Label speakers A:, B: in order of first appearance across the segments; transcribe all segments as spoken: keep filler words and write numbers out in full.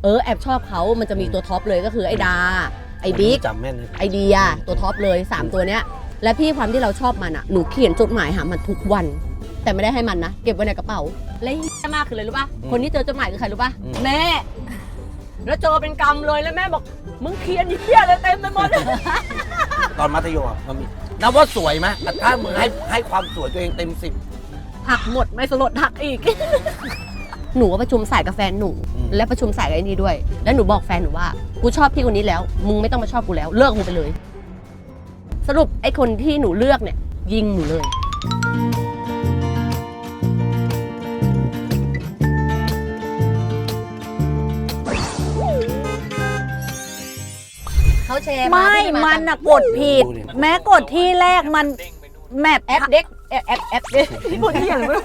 A: เออแอบชอบเขามันจะมีตัวท็อปเลยก็คือไอ้ดาไอ้บิ๊ก
B: จำแม่นไ
A: อเดียตัวท็อปเลยสามตัวเนี้ยและพี่ความที่เราชอบมันอ่ะหนูเขียนจดหมายหามันทุกวันแต่ไม่ได้ให้มันนะเก็บไว้ในกระเป๋าและเหี้ยมากคือเลยรู้ป่ะคนที่เจอจดหมายคือใครรู้ป่ะแม่แล้วเจอเป็นกรรมเลยแล้วแม่บอกมึงเขียนเหี้ยอะไรเต็มไปหมด
B: ตอนมัธยมมันมีนับว่าสวยไหมถ้ามึงให้ให้ความสวยตัวเองเต็มสิบ
A: หักหมดไม่สลดหักอีกหนูก็ประชุมสายกับแฟนหนูและประชุมสายกับไอ้นี่ด้วยแล้วหนูบอกแฟนหนูว่ากูชอบพี่คนนี้แล้วมึงไม่ต้องมาชอบกูแล้วเลิกมึงไปเลยสรุปไอ้คนที่หนูเลือกเนี่ยยิงหนูเลยเขาแชร์
C: ไม่มันน่ะกดผิดแม้กดที่แรกมันแมป
A: แอปเด็กแอปแอปแอปเด็กที่พูดที่อย่างไร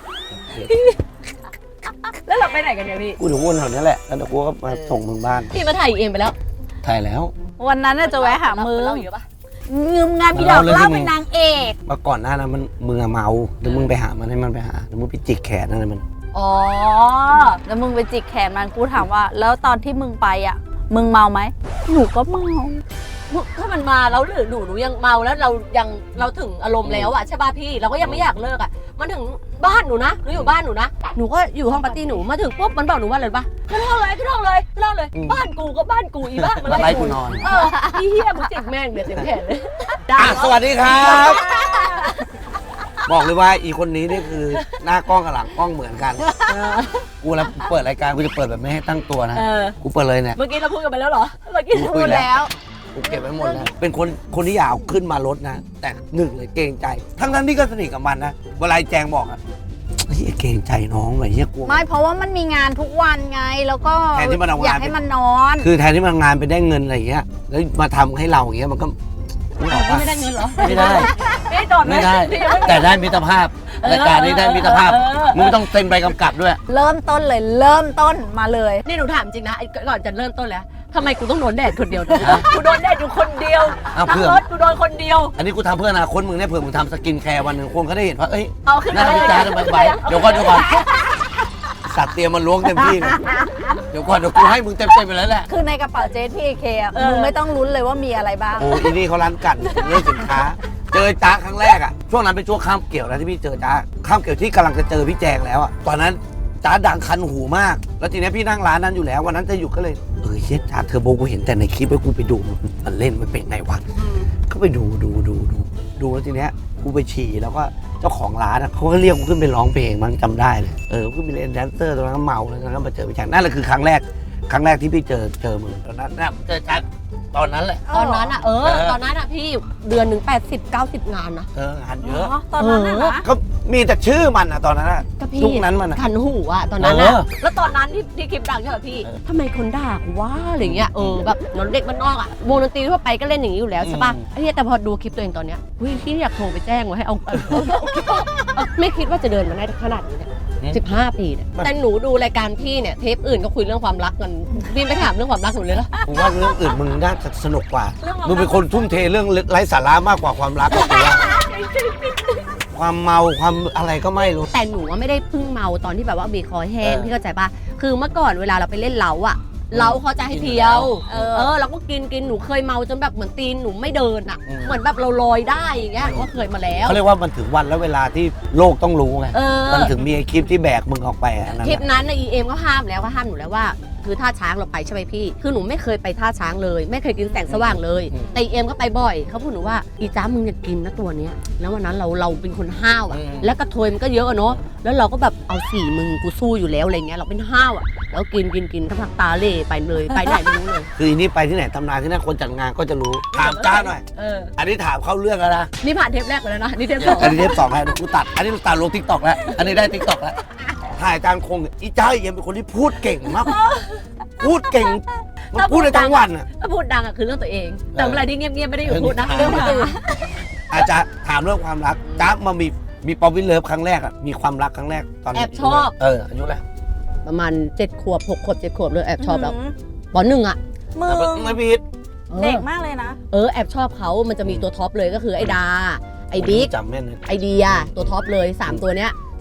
A: แล้วเราไปไหนกันเนี่ยพี่
B: กูถึงวนแถวนี้แหละแล้วเดี๋ยวกูก็มาส่งมึงบ้าน
A: พี่มาถ่ายเองไปแล้ว
B: ถ่ายแล้ว
C: วันนั้นจะแวะหามือ
A: เล่าเยอะปะ
C: งืมงานพี่ดอกเล่าเป็นนางเอก
B: มาก่อนหน้านั้นมันมึงเมาเดี๋ยวมึงไปหามันให้มันไปหาเดี๋ยวมึงไปจิกแขนนั่นมัน
C: อ๋อแล้วมึงไปจิกแขนมันกูถามว่าแล้วตอนที่มึงไปอ่ะมึงเมาไหมหนูก็เมา
A: ถ้ามันมาแล้วหรือหนูหนูยังเมาแล้วเรายังเราถึงอารมณ์แล้วอะใช่ป่ะพี่เราก็ยังไม่อยากเลิกอะมันถึงบ้านหนูนะหนูอยู่บ้านหนูนะหนูก็อยู่ห้องปาร์ตี้หนูมาถึงปุ๊บมันบอกหนูว่าอะไรป่ะขึ้นห้องเลยขึ้นห้องเลยขึ้นห้องเลยบ้านกูก็บ้านกูอีบ้านมัน
B: ไล่กูนอน
A: เออพี่เฮียมึงจิกแม่งเดี๋ยวเต็มแขนเลย
B: สวัสดีครับบอกเลยว่าอีคนนี้นี่คือหน้ากล้องกับหลังกล้องเหมือนกันกูแล้วเปิดรายการกูจะเปิดแบบไม่ให้ตั้งตัวนะกูเปิดเลยเนี่ย
A: เมื่อกี้เราพูดกันไปแล้วเหรอเมื่อกี้พูดแล้ว
B: กูเก็บไว้หมดแล้วเป็นคนคนที่อยากขึ้นมารถนะแต่หนึ่งเลยเกรงใจทั้งนั้นที่ก็สนิทกับมันนะเวลาแจงบอกอะเฮ้ยเกรงใจน้องเลยเฮียกลัว
C: ไม่เพราะว่ามันมีงานทุกวันไงแล้วก็
B: แทนที่มันเอา
C: อยากให้มันนอน
B: คือแทนที่มันงานไปได้เงินอะไรอย่างเงี้ยแล้วมาทำให้เราอย่างเงี้ยมันก็
A: ไม่ได้เงินเหรอ
B: ไม่ได้
A: ไม่โดน
B: ไม่ได้แต่ได้มิตรภาพรายการนี้ได้มิตรภาพมึงต้องเซ็นใบกำกับด้วย
C: เริ่มต้นเลยเริ่มต้นมาเลย
A: นี่หนูถามจริงนะก่อนจะเริ่มต้นแล้วทำไมกูต้องโดนแดดคนเดียวกูโดนแดดอยู่คนเดียวทั้งรถกูโดนคนเดียว
B: อันนี้กูทำเพื่ออนาคตมึงเนี่ยเผื่อมึงทำสกินแคร์วันหนึ่งคนเขาได้เห็นว่าเอ้ย
A: เอาขึ้น
B: หน้าพิจารณ์ใบเดี๋ยวก่อนเดี๋ยวก่อนสัตว์เตรียมมันล้วงเต็มที่เลยเดี๋ยวก่อนเดี๋ยวกูให้มึงเต็มเต็มไปแล้วแหละ
C: คือในกระเป๋าเจสพีเคอ่ะมึงไม่ต้องลุ้นเลยว่ามีอะไรบ้าง
B: โอ้ยนี่เขาร้านกันเรื่องสินค้าเจอจ้าครั้งแรกอ่ะช่วงนั้นเป็นช่วงข้ามเกี่ยวนะที่พี่เจอจ้าข้ามเกี่ยวที่กำลังจะเจอพี่แจงแล้วอ่ะตอนนั้นจ้าดังคันหูมากแล้วทีนี้พี่นั่งร้านนั้นอยู่แล้ววันนั้นจะอยู่ก็เลยเออเชี่ยจ้าเทอร์โบกูเห็นแต่ในคลิปแล้วกูไปดูมันเล่นมันเป็นไงวะก็ไปดูดูดูดูดูแล้วทีเนี้ยกูไปฉี่แล้วก็เจ้าของร้านเขาก็เรียกกูขึ้นไปร้องเพลงมั้งจำได้เลยเออขึ้นไปเล่นแดนเซอร์ตอนนั้นเมาแล้วก็มาเจอพี่แจงนั่นแหละคือครั้งแรกครั้งแรกที่พี่เจอเจอมึงตอนนั้นนะเจอจ้าตอนนั้นแหละ
A: ตอนนั้นอ่ะเออตอนนั้นอ่ะพี่เดือนหนึ่งแปดสิบเก้าสิบงานนะ
B: เอองานเยอะ
C: ตอนนั้นนะ
B: ก็มีแต่ชื่อมันอ่ะตอนนั้นอ่ะยุคนั้นมัน
A: ขันหูอ่ะตอนนั้นอ่ะแล้วตอนนั้นที่ที่คลิปดังใช่ป่ะพี่ทำไมคนด่ากูว่าอะไรเงี้ยเออแบบนอนเด็กมันนอกอ่ะวงดนตรีทั่วไปก็เล่นอย่างนี้อยู่แล้วใช่ป่ะไอ้เนี่ยแต่พอดูคลิปตัวเองตอนเนี้ยเฮ้ยพี่อยากโทรไปแจ้งว่าให้เอาไม่คิดว่าจะเดินมาได้ขนาดนี้เนี่ยสิบห้าปีเนี่ยแต่หนูดูรายการพี่เนี่ยเทปอื่นก็คุยเรื่องความรักกันพี่ไม่ถามเรื่องความรักหนูเลยเหรอ
B: ผมว่าเรื่องอื่นมึงน่าจะสนุกกว่ามึงเป็นคนทุ่มเทเรื่องไร้สาระมากกว่าความรักก็คือความเมาความอะไรก็ไม่รู้
A: แต่หนูว่าไม่ได้เพิ่งเมาตอนที่แบบว่าบีคอแห้งพี่เข้าใจป่ะคือเมื่อก่อนเวลาเราไปเล่นเล้าอะเราเขาจะให้เที่ยวเออเราก็กินกินหนูเคยเมาจนแบบเหมือนตีนหนูไม่เดินอะเหมือนแบบเราลอยได้อย่างเงี้ยก็เคยมาแล้ว
B: เขาเรียกว่ามันถึงวันและเวลาที่โลกต้องรู้ไงมันถึงมีคลิปที่แบกมึงออกไป
A: คลิปนั้นนะอีเอ็มก็ห้ามแล้วก็ห้ามหนูแล้วว่าคือท่าช้างเราไปใช่ไหมพี่คือหนูไม่เคยไปท่าช้างเลยไม่เคยกินแสงสว่างเลยแต่อีเอ็มก็ไปบ่อยเขาพูดหนูว่าอีจ้ามึงอย่ากินนะตัวเนี้ยแล้ววันนั้นเราเราเป็นคนห้าวอะแล้วกระเทยมันก็เยอะอะเนาะแล้วเราก็แบบเอาสี่มึงกูสู้อยู่แล้วอะไรเงี้ยเราเป็นห้าวอะแล้วกินกินกินทั้งพักตาเล่ไปเลยไปไหนไม่รู้เลย
B: คืออันนี้ไปที่ไหนทำงานที่นั่นคนจัดงานก็จะรู้ถามจ้าหน่อยอันนี้ถามเข้าเรื่องแล้วนะ
A: นี่ผ่านเทปแรกไปแล้วนะนี่เทปสอง
B: อันนี้เทปสองแล้วกูตัดอันนี้ตัดลงทิกตอกแล้วอันนี้ได้ทิกตอกแล้วถ่ายจานคงอีจ้าเอ็มเป็นคนที่พูดเก่งมากพูดเก่งมันพูดในทั้งวันอ่ะ
A: ถ้าพูดดังอ่ะคือเรื่องตัวเองแต่เวลาที่เงียบๆไม่ได้อยู่พูดนะเรื่องคนอื่น
B: อาจจะถามเรื่องความรักจ้ามามีมีป๊อปวินเลิฟครั้งแรกอ่ะมีความรักครั้งแรกตอน
A: แอบชอบ
B: เอออายุอะไร
A: ประมาณเจ็ดขวบหกขวบเจ็ดขวบเลยแอบชอบแล้วปหนึ่งอ่ะ
C: มึง
B: ไม่ผิด
C: เด็กมากเลยนะ
A: เออแอบชอบเขามันจะมีตัวท็อปเลยก็คือไอ้ดาไอ้บิ๊ก
B: จำแม่น
A: ไอเดียตัวท็อปเลยสามตัวเนี้ยที่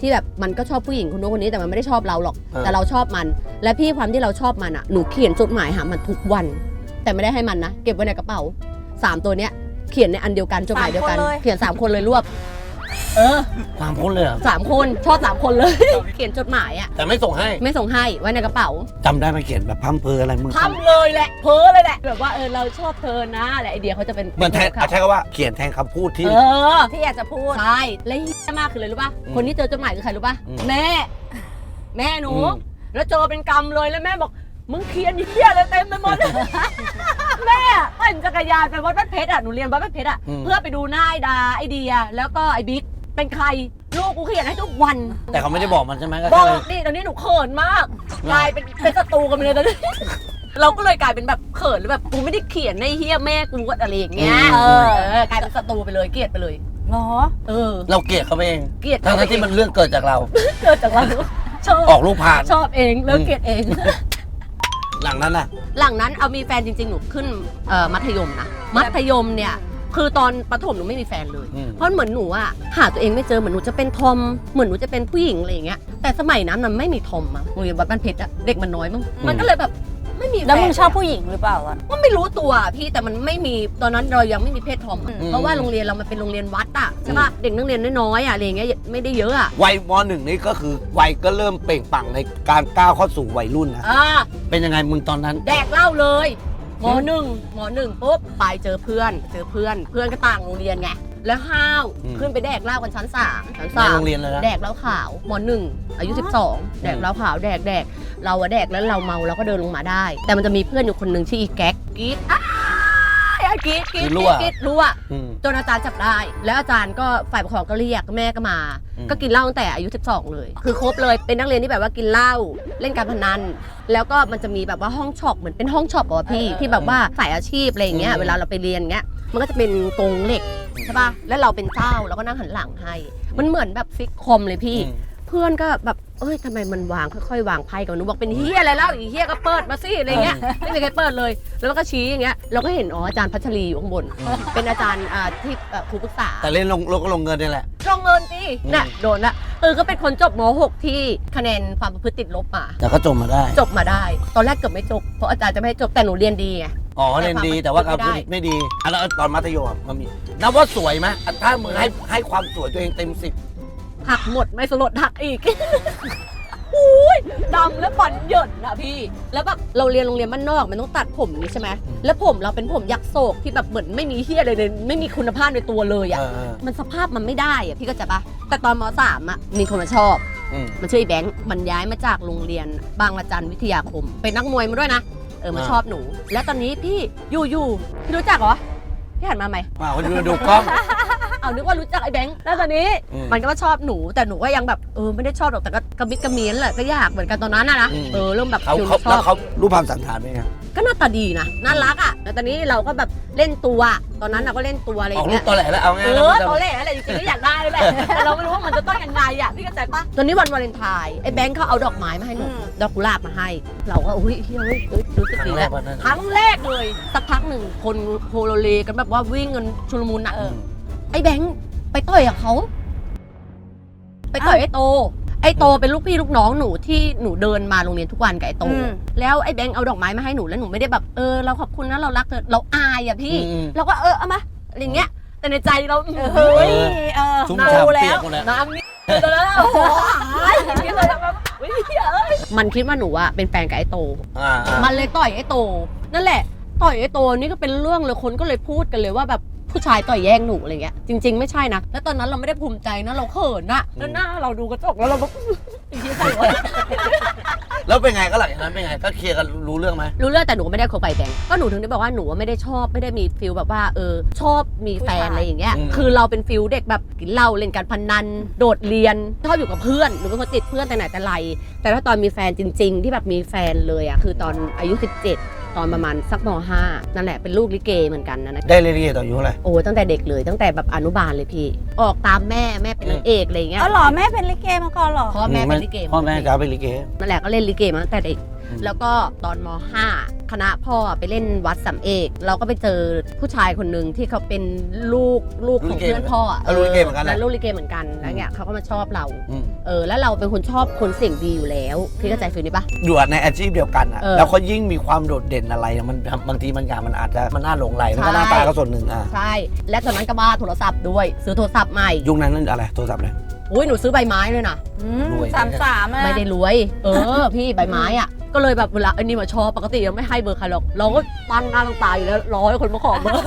A: ที่แบบมันก็ชอบผู้หญิงคนโน้นคนนี้แต่มันไม่ได้ชอบเราหรอก
B: เออ
A: แต่เราชอบมัน และพี่ความที่เราชอบมันอ่ะหนูเขียนจดหมายหามันทุกวัน แต่ไม่ได้ให้มันนะเก็บไว้ในกระเป๋าสามตัวเนี้ยเขียนในอันเดียวกันจดหมายเดียวกันเขียนสามคนเลยรวบเออ
B: สามคนเลยเหรอ
A: สามคนชอบสามคนเลย เขียนจดหมายอ่ะ
B: แต่ไม่ส่งให้
A: ไม่ส่งให้ไว้ในกระเป๋า
B: จำได้ไหมเขียนแบบพัมเพออะไรมึง
A: ทำเลยแหละเพ้อเลยแหละแบบว่าเออเราชอบเธอนะและไอเดียเขาจะเป็น
B: เหมือนแทน
A: เขา
B: ใช้คำว่าเขียนแทนคำพูดที่
A: เออ
C: ที่อยากจะพูด
A: ใช่และเหี้ยมากคือเลยรู้ป่ะ
B: อืม
A: คนที่เจอจดหมายคือใครรู้ป่ะ
B: อืม
A: แม่ แม่หนู
B: อืม
A: แล้วเจอเป็นกรรมเลยแล้วแม่บอกมึงเขียนเหี้ยอะไรเต็มไปหมด แม่ปั่นจักรยานไปวัดบ้านเพชรอ่ะหนูเรียนวัดบ้านเพชรอ่ะ
B: อืม
A: เพื่อไปดูหน้าไอดาไอเดียแล้วก็ไอบิ๊กเป็นใครลูกกูเขียนให้ทุกวัน
B: แต่เขาไม่ได้บอกมันใช่ไหมก็
A: บอ
B: แค่
A: กนี่ตอนนี้หนูเขินมาก กลายเป็นเป็นศัตรูกันไปเลยตอนนี้ เราก็เลยกลายเป็นแบบเขินหรือแบบกูไม่ได้เขียนในเฮียแม่กูอะไรอย่างเงี้ยเออกลายเป็นศัตรูไปเลยเกลียดไปเลย
C: เหรอ
A: เออ
B: เราเกลียดเขาเอง
A: เกลียด
B: ทั้งๆที่มันเรื่องเกิดจากเรา
A: เกิดจากเราชอบ
B: ออกลูกผ่าน
A: ชอบเองแล้วเกลียดเอง
B: หลังนั้นน่ะ
A: หลังนั้นเอามีแฟนจริงๆหนูขึ้นเอ่อมัธยมนะมัธยมเนี่ยคือตอนประถมหนูไม่มีแฟนเลย
B: อืม
A: เพราะเหมือนหนูอะหาตัวเองไม่เจอเหมือนหนูจะเป็นทอมเหมือนหนูจะเป็นผู้หญิงอะไรอย่างเงี้ยแต่สมัยนั้นมันไม่มีทอมอะโรงเรียนวัดบ้านเพชรอะเด็กมันน้อยมั้งมันก็เลยแบบไม่มีฟน
C: แล้วมึงชอบผู้หญิงหรือเปล่าอ่ะ
A: ก็ไม่รู้ตัวพี่แต่มันไม่มีตอนนั้นเรายังไม่มีเพศทอมอะ
C: อืม
A: เพราะว่าโรงเรียนเรามันเป็นโรงเรียนวัดอะใช่ป่ะเด็กนักเรียนน้อยๆอะอะไรอย่างเงี้ยไม่ได้เยอะอะ
B: วัยมหนึ่งนี่ก็คือวัยก็เริ่มเปล่งปลั่งในการก้าวเข้าสู่วัยรุ่นนะ
A: อ่า
B: เป็นยังไงมึงตอนนั้น
A: แดกเหล้าเลยมหนึ่งมหนึ่งปุ๊บไปเจอเพื่อน เจอเพื่อน เพื่อนก็ต่างโรงเรียนไง แล้วห้าว
B: อืม
A: ขึ้นไปแดกเหล้ากันชั้นสามชั้น
B: ใน
A: สาม
B: โรงเรียนเลยนะ
A: แดกเหล้าขาวมหนึ่งอายุสิบสองแดกเหล้าขาวแดกแดกเราอะแดกแล้วเราเมาเราก็เดินลงมาได้ แต่มันจะมีเพื่อนอยู่คนหนึ่งชื่ออีแก๊กกรีดอ้ายกรีดกรีดกรีดกรีดรั่ว
B: อืม
A: จนอาจารย์จับได้ แล้วอาจารย์ก็ฝ่ายปกครองก็เรียกแม่ก็มา
B: อืม
A: ก็กินเหล้าตั้งแต่อายุสิบสองเลย คือครบเลยเป็นนักเรียนที่แบบว่ากินเหล้าเล่นการพนัน แล้วก็มันจะมีแบบว่าห้องช็อปเหมือนเป็นห้องช็อปอ่ะพี่ที่แบบว่าสายอาชีพอะไรอย่างเงี้ยเวลาเราไปเรียนเงี้ยมันก็จะเป็นกรงเหล็กใช่ป่ะแล้วเราเป็นเจ้าเราก็นั่งหันหลังให้ มันเหมือนแบบฟิกคอมเลยพี่
B: อืม
A: เพื่อนก็แบบเอ้ยทำไมมันวางค่อยๆวางไพ่กันหนูบอกเป็นเฮียอะไรแล้วอีเฮียก็เปิดมาสิอะไรเงี้ยไม่มีใครเปิดเลย แล้วมันก็ชี้อย่างเงี้ยเราก็เห็นอ๋ออาจารย์พัชรีอยู่ข้างบน เป็นอาจารย์อ่าที่เอ่อครูปรึกษา
B: แต่เล่นลงลงก็ลงเงินนี่แหละ
A: ลงเงินสิ
B: อืม
A: น่ะโดนละเออก็เป็นคนจบม หก ที่คะแนนความประพฤติติดลบมา
B: แต่ก็จบมาได้
A: จบมาได้ ตอนแรกเกือบไม่จบเพราะอาจารย์จะไม่ให้จบแต่หนูเรียนดีไง
B: อ๋อเรียนดีแต่ว่าการพูดไม่ดีอ่ะแล้วตอนมัธยมอะมันมีนับว่าสวยไหมอ่ะถ้ามึงให้ให้ความสวยตัวเองเต็มสิบ
A: หักหมดไม่สลดหักอีก อุ้ยดำแล้วฝันเหยินนะพี่ แล้วแบบเราเรียนโรงเรียนบ้านนอกมันต้องตัดผมนี้ใช่ไหมแล้วผมเราเป็นผมยักษ์โศกที่แบบเหมือนไม่มีเฮียอะไรเลยไม่มีคุณภาพในตัวเลยอ่ะ
B: เออเออ
A: มันสภาพมันไม่ได้อ่ะพี่ก็จะปะแต่ตอนมสามอ่ะมีคนมาชอบ
B: อืม
A: มันชื่อไอ้แบงค์มันย้ายมาจากโรงเรียนบางระจันวิทยาคม เป็นนักมวยมาด้วยนะเออมา
B: อ่า
A: ชอบหนู แล้วตอนนี้พี่อยู่อยู่พี่รู้จักเหรอพี่หันมาไหม
B: มาคนดูดูกล้อง
A: เอานึกว่ารู้จักไอ้แบงค์แล้วตอนนี้
B: อืม
A: มันก็มาชอบหนูแต่หนูก็ยังแบบเออไม่ได้ชอบหรอกแต่ก็กระมิดกระเมียนแหละก็ยากเหมือนกันตอนนั้นนะนะ
B: อืม
A: เออเริ่มแบบ
B: เขา
A: ฟิล
B: เขา
A: ช
B: แล้
A: อ
B: ว
A: บ
B: เขารูปภาพสันฐานเป็นไง
A: ก็หน้าตาดีนะน่ารักอ่ะแล้วตอนนี้เราก็แบบเล่นตัวตอนนั้นเราก็เล่นตัวอะไรอ
B: ออก
A: ย่าง
B: รู
A: เงี้
B: ป
A: ย
B: ตอแหลแล้วเอาไง
A: เอ
B: แล้ว
A: อ
B: มันจะ
A: ตอนแรกอะไรจริงๆก็อยากได้แหละแต่เราไม่รู้ว่ามันจะต้องยังไงอ่ะพี่เข้าใจปะตอนนี้วันวาเลนไทน์ไอ้แบงค์เขาเอาดอกไม้มาให้หนู
C: อืม
A: ดอกกุหลาบมาให้ เราก็อุ้ยเฮ้ยเฮ้ยเฮ้ยรู้สึก
B: ครั้
A: ดี
B: งแร
A: แล้
B: ก
A: ว
B: วันนั้น
A: ครั้งแรกเลยสักพักหนึ่งคนโฮโลเลกันแบบว่าวิ่งกันชุลมุนอ่ะ
B: อืม
A: ไอ้แบงค์ไปต่อยกับเขาไปต่อยไอ้โต ไอ้โตเป็นลูกพี่ลูกน้องหนูที่หนูเดินมาโรงเรียนทุกวันกับไอ้โต
C: อืม
A: แล้วไอ้แบงค์เอาดอกไม้มาให้หนูแล้วหนูไม่ได้แบบเออเราขอบคุณนะเรารักเธอเราอายอ่ะพี่
B: อืม
A: เราก็เออเอามาอะไรอย่างเงี้ย แต่ในใจเรา
C: เฮ้ยเออ
B: ชุ่ม
C: ดู
B: ฉ่ำ
C: แล้
B: เปียก
C: ว
B: หมดแล้ว
A: น้ำนี่ตอนนั้นโอ้โหคิดเลยแบบเฮ้ยเอ้ยมันคิดว่าหนูอะเป็นแฟนกับไอ้โต
B: อ่าอ่า
A: มันเลยต่อยไอ้โต นั่นแหละ ต่อยไอ้โตนี่ก็เป็นเรื่องเลยคนก็เลยพูดกันเลยว่าแบบผู้ชายต่อยแย่งหนูอะไรเงี้ยจริง ๆไม่ใช่นะแล้วตอนนั้นเราไม่ได้ภูมิใจนะเราเขินนะแล้วหน้าเราดูกระจกแล้วเราแบบไอ้เหี้ยใส่วะ
B: แล้วเป็นไงก็หลังจากนั้นเป็นไงก็เคลียร์กันรู้เรื่องไหม
A: รู้เรื่องแต่หนูก็ไม่ได้คบไปแบงก์ก็หนูถึงได้บอกว่าหนูไม่ได้ชอบไม่ได้มีฟิลแบบว่าเออชอบมีแฟนอะไรอย่างเงี้ยคือเราเป็นฟิลเด็กแบบกินเหล้าเล่นการพนันโดดเรียนชอบอยู่กับเพื่อนหนูเป็นคนติดเพื่อนแต่ไหนแต่ไรแต่ถ้าตอนมีแฟนจริง ๆ ที่แบบมีแฟนเลยอ่ะคือตอนอายุสิบเจ็ดตอนประมาณสักมห้านั่นแหละเป็นลูกลิเกเหมือนกันนะนะ
B: ได้เรียนต่ออายุเท่าไหร่
A: โอ้ตั้งแต่เด็กเลยตั้งแต่แบบอนุบาลเลยพี่ออกตามแม่แม่เป็นนางเอกอะไรอย่างเงี้ย
C: อ๋อเหรอแม่เป็นลิเกมาก่อนเหรอ
A: เพราะว่าแม่เป็นลิเก
B: พ่อแม่จะเป็นลิเก
A: นั่นแหละก็เล่นลิเกมาตั้งแต่เด็กแล้วก็ตอนม ห้า คณะพ่อไปเล่นวัดสำเอกเราก็ไปเจอผู้ชายคนหนึ่งที่เขาเป็นลูกลูกของเพื่อนพ่ออ่ะ
B: เออลูกลิเกเหมือนกันแหละ
A: แล้วลูกลิเกเหมือนกันแล้วเนี่ยเขาก็มาชอบเรา
B: อืม
A: เออแล้วเราเป็นคนชอบคนเสียงดีอยู่แล้วพี่เข้าใจฟีลนี้ปะ
B: อยู่ในอาชีพเดียวกันอ่ะ
A: เออ
B: แล้วเขายิ่งมีความโดดเด่นอะไรอะมันบางทีมันอย่างมันอาจจะมันน่าหลงไหลมันก็หน้า
A: ใช่
B: ตาก็ส่วนหนึ่งอ่ะ
A: ใช่และตอนนั้นก็บ้าโทรศัพท์ด้วยซื้อโทรศัพท์ใหม่
B: ยุคนั้นนั่นอะไรโทรศัพท์เลย
A: อุ้ยหนูซื้อใบไม้เลยนะ
C: อืม
B: รวย
C: สามสามอะ
A: ไม่ได้รวย เออ พี่ใบไม้อ่ะ ก็เลยแบบเวลาไอ้นี่มาชอบปกติยังไม่ให้เบอร์ใครหรอก เราก็ตั้งหน้าตั้งตาอยู่แล้วรอให้คนมาขอเบอร์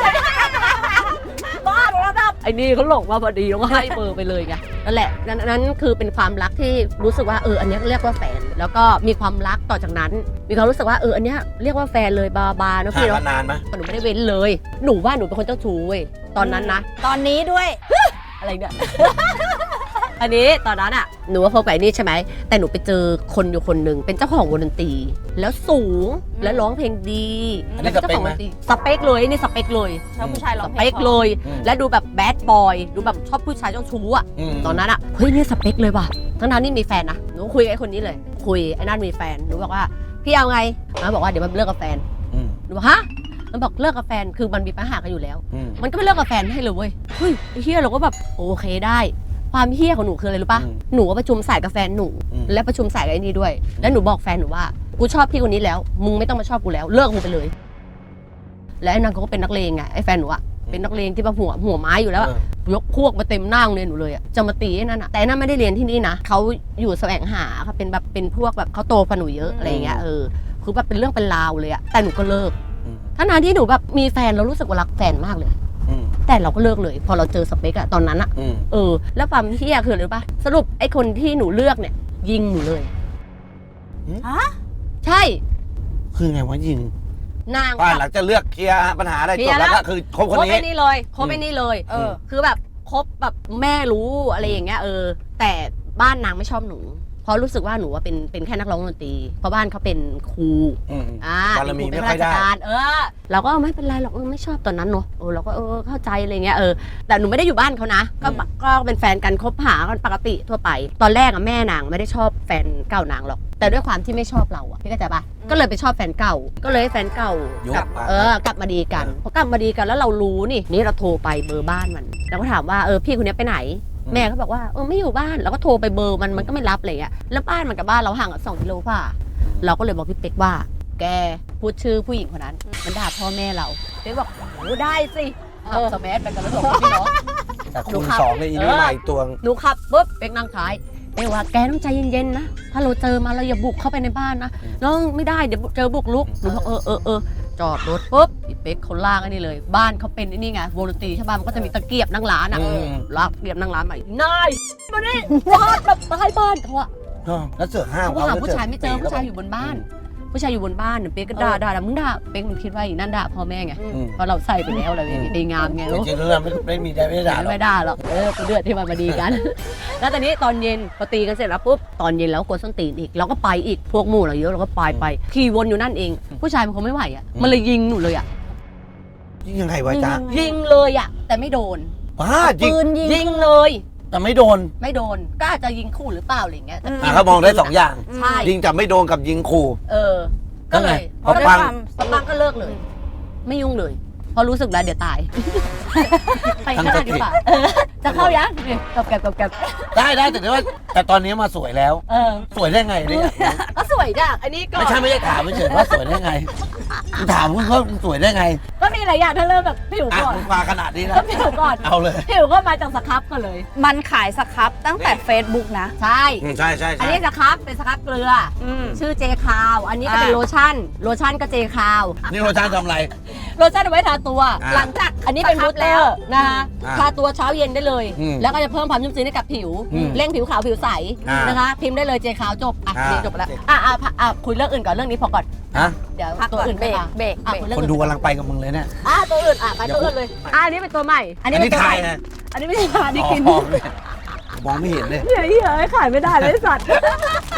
A: บ้าโทรศัพท์ไอ้นี่เขาหลงมาพอดีแล้วก็ให้เบอร์ไปเลยไงนั่นแหละนั้นนั้นคือเป็นความรักที่รู้สึกว่าเอออันเนี้ยเรียกว่าแฟน แล้วก็มีความรักต่อจากนั้น มีความรู้สึกว่าเอออันเนี้ยเรียกว่าแฟนเลยบาบาเนอะ
B: ห่าง
A: พี่
B: กั
A: เนาะ
B: นนานไหม
A: หนูไม่ได้เว้นเลย หนูว่าหนูเป็นคนเจ้าชู้เว้ยตอนนั้นนะ
C: ตอนนี้ด้วย
A: อะไรเนี่ย อันนี้ตอนนั้นอ่ะหนูว่าคบกับไอ้นี่ใช่ไหมแต่หนูไปเจอคนอยู่คนหนึ่งเป็นเจ้าของวงดนตรีแล้วสูงและร้องเพลงดี
B: อันนี้
A: แล้ว
B: สเปค
A: เจ้าของ
B: ไหม
A: ดนตรีสเปคเลยนี่สเปคเลย
C: ชอบผู้ชายร้อ
A: ส
C: งเพ
A: เป
C: ลง
A: คเลย
B: อืม
A: และดูแบบแบดบอยดูแบบชอบผู้ชายเจ้าชู้อ่ะ
B: ม
A: ตอนนั้นอ่ะเฮ้ยนี่สเปคเลยว่ะทั้งนั้นนี่มีแฟนนะหนูคุยกับไอ้คนนี้เลย คุยไอ้นั่นมีแฟนหนูบอกว่าพี่เอาไงมันบอกว่าเดี๋ยวมันเลิกกับแฟน
B: อืม
A: หนูบอกฮะมันบอกเลิกกับแฟนคือมันมีปัญหากันอยู่แล้ว
B: อืม
A: มันก็ไม่เลิกกับแฟนให้เลยเว้ย เฮ้ยไอ้เฮียเราก็แบบโอเคได้ ความเฮียของหนูคืออะไรรู้ปะ
B: อืม
A: หนูก็ประชุมสายกับแฟนหนู
B: อืม
A: และประชุมสายกับไอ้นี่ด้วย แล้วหนูบอกแฟนหนูว่า กูชอบพี่คนนี้แล้ว มึงไม่ต้องมาชอบกูแล้ว เลิกมึงไปเลย และไอ้นั่นเขาก็เป็นนักเลงไง ไอ้แฟนหนูอะเป็นนักเลงที่แบบหัวหัวไม้อยู่แล้วอะ
B: เออ
A: ยกพวกมาเต็มหน้าโรงเรียนหนูเลยอะจะมาตีไอ้นั่นอะแต่ไอ้นั่นไม่ได้เรียนที่นี่นะ เขาอยู่แสวงหาเขาเป็นแบบเป็นพวกแบบเขาโตกว่าหนูเยอะอะไรอย่างเงี้ย เออ คือแบบเป็นเรื่องเป็นราวเลยอะแต่หนูก็เลิก
B: อืม
A: ทั้งนั้นที่หนูแบบมีแฟนเรารู้สึกว่ารักแฟนมากเลย
B: อืม
A: แต่เราก็เลิกเลย พอเราเจอสเปคอะตอนนั้นอะ
B: อืม
A: เออ แล้วความเฮี้ยคืออะไรรู้ปะสรุปไอ้คนที่หนูเลือกเนี่ย ยิงหนูเลย
C: ฮะ
A: ใช่
B: คือไงวะยิง
A: นาง
B: ว่าหลังจะเลือกเคลียร์ปัญหาอะไร
A: เคลี
B: จ
A: ย
B: บ
A: ร์
B: แล้ว
A: แล้ว
B: ก็คือคบคน
A: คบ
B: นี้
A: ไอ้นี่เลยคบไอ้นี่เลย
B: เออ
A: คือแบบคบแบบแม่รู้อะไรอย่างเงี้ยเออ แต่บ้านนางไม่ชอบหนูเพราะรู้สึกว่าหนูว่าเป็นเป็นแค่นักร้องดนตรีเพราะบ้านเขาเป็นครู
B: อืม
A: อ่า
B: บารมี
A: เป็น
B: ไม่ค่อยได้
A: ราชการเออ เราก็ไม่เป็นไรหรอกเออไม่ชอบตอนนั้นเนอะเออเราก็เออเข้าใจอะไรเงี้ยเออแต่หนูไม่ได้อยู่บ้านเขานะก็ก็เป็นแฟนกันคบหากันปกติทั่วไป ตอนแรกอะแม่นางไม่ได้ชอบแฟนเก่านางหรอกแต่ด้วยความที่ไม่ชอบเราอะพี่เข้าใจปะก็เลยไปชอบแฟนเก่า ก็เลยให้แฟนเก่า
B: ยุ
A: กลั
B: บบ มา
A: เออกลับมาดีกันพอกลับมาดีกันแล้วเรารู้นี่นี่เราโทรไปเบอร์บ้านมันเราก็ถามว่าเออพี่คนนี้ไปไหน แม่เขาบอกว่าเออไม่อยู่บ้านเราก็โทรไปเบอร์มันมันก็ไม่รับอะไรเงี้ยแล้วบ้านมันกับบ้านเราห่างกันสองกิโลกว่าเราก็เลยบอกพี่เป๊กว่า แกพูดชื่อผู้หญิงคนนั้น มันด่าพ่อแม่เราเป๊กบอกโอ้ได้สิขับสมัยไปกันแล้วสองพี่น้อง
B: แต่
A: หนู
B: คูณ
A: ขับ
B: สองเลยอีนี่
A: เออ
B: มาอีกตัว
A: หนูขับปุ๊บเป๊กนั่งท้ายเป๊กว่าแกต้องใจเย็นๆนะถ้าเราเจอมาเราอย่าบุกเข้าไปในบ้านนะน้องไม่ได้เดี๋ยวเจอบุกลุกหนูบอกเออเออเออจอดรถปุ๊บพี่เป๊กเขาลากไอ้นี่เลย บ้านเขาเป็นไอ้นี่ไงวงดนตรีใช่ป่ะมันก็จะมีตะเกียบนั่งร้านอ่ะ
B: อืม
A: ลากตะเกียบนั่งร้านใหม่นายมานี่ฟาดแบบใต้บ้านเขาอะ
B: เออแล้วเสือกห้าม
A: เขาหาผู้ชายไม่เจอผู้ชายอยู่บนบ้าน ผู้ชายอยู่บนบ้านเนี่ยเป๊กก็ด่าด่าด่ามึงด่าเป๊กมันคิดว่าอีนั่นด่าพ่อแม่ไง
B: อืม
A: เพราะเราใส่ไปแล้วอะไรอย่างเงี้ยไอ้งามไง
B: จ
A: ลูก
B: ริงๆแล้วไม่ไม่มีได้ไม่ได้ด่าหรอก
A: ไม่ด่าหรอกเออกูเดือดที่มันมาดีกัน แล้วตอนนี้ตอนเย็นพอตีกันเสร็จแล้วปุ๊บตอนเย็นแล้วกดส้นตีนอีกเราก็ไปอีกพวกหมู่เราเยอะเราก็ไปไปขี่วนอยู่นั่นเอง ผู้ชายมันคงไม่ไหวอ่ะมันเลยยิงหนูเลยอ่ะ
B: ยิงยังไงวะจ๊ะ
A: ยิงเลยอ่ะแต่ไม่โดน
B: ว้ายิง
C: ปืนยิง
A: ยิงเลย
B: แต่ไม่โดน
A: ไม่โดนก็อาจจะยิงคู่หรือเปล่าอะไรอย่างเงี้ยแต่
B: อ่ะเขามองได้สองอย่าง
A: ใช่
B: ยิงจับไม่โดนกับยิงขู่
A: เออ ก็เลย
B: พอปัง
A: พอปังก็เลิกเลย ไม่ยุ่งเลยเพราะรู้สึกแล้วเดี๋ยวตาย ไปข้างหน้าดีกว่าเออจะเข้ายังเนี่ยกับแกบกับแกบ
B: ได้ได้แต่ว่าแต่ตอนนี้มาสวยแล้ว
A: เออ
B: สวยได้ไงเนี่ย
A: ก็สวยจ้ะอันนี้ก็
B: ไม่ใช่ไม่ใช่ถามไม่เฉยว่าสวยได้ไงกูถามมึงว่ามึงสวยได้ไง
A: ก็มีหลายอย่างถ้าเริ่มแบบผิว
B: อ่ะ
A: ก่อน
B: มึงมาขนาดนี้นะ
A: ก็ผิวก่อน
B: เอาเลย
A: ผิวก็มาจากสครับกันเลย
C: มันขายสครับตั้งแต่ Facebook นะ
A: ใช่
B: อืมใช่ใช่
A: อัน
B: ใช่
A: นี้สครับเป็นสครับเกลือ
C: อืม
A: ชื่อเจคาว อันนี้ก็เป็น
C: อ่า
A: โลชั่น โลชั่นก็เจคาว
B: นี่โรชานทำอะไร
A: โลชั่นเอาไว้ทาตัว
B: อ่า
A: หลังจากอันนี้เป็น
C: สครั
A: บู
C: บ
A: สเตอร์นะคะ
B: อ่า
A: ทาตัวเช้าเย็นได้เลย
B: อืม
A: แล้วก็จะเพิ่มความชุ่มชื้นให้กับผิว
B: อืม
A: เร่งผิวขาวผิวใส
B: อ่าน
A: นะคะ พิมพ์ได้เลยเจคาวจบ อ่ะ
B: อ่า
A: นี่จบแล้ว อ่ะอ่ะอ่ะอ่ะคุยเรื่องอื่นก่อนเรื่องนี้พอก่อน
B: ฮะ
A: เดี๋ยว
C: พัก
A: ตัว
C: ก่อน
A: อื่น
C: เบ
A: ไป
C: รก
A: ค่ะ
C: เบรก
A: อ่ะ
C: เบรก
A: คุยเรื่อง
B: คน
A: อื่น
B: ดูกำลังไปกับมึงเลยเนี่ย
A: อ่ะตัวอื่นอ่ะไปตัวอื่นเลย อ่ะอันนี้เป็นตัวใหม่ อันนี้
B: อัน
A: เป็น
B: นี้
A: ตัว
B: ทา
A: ให
B: ย
A: ม่
B: นะ
A: อันนี้ไม่ใช่ทานี่กิน
B: อ๋อมองไม่เห็นเลย
A: เหี้ยเหี้ยขายไม่ได้เลยสัตว์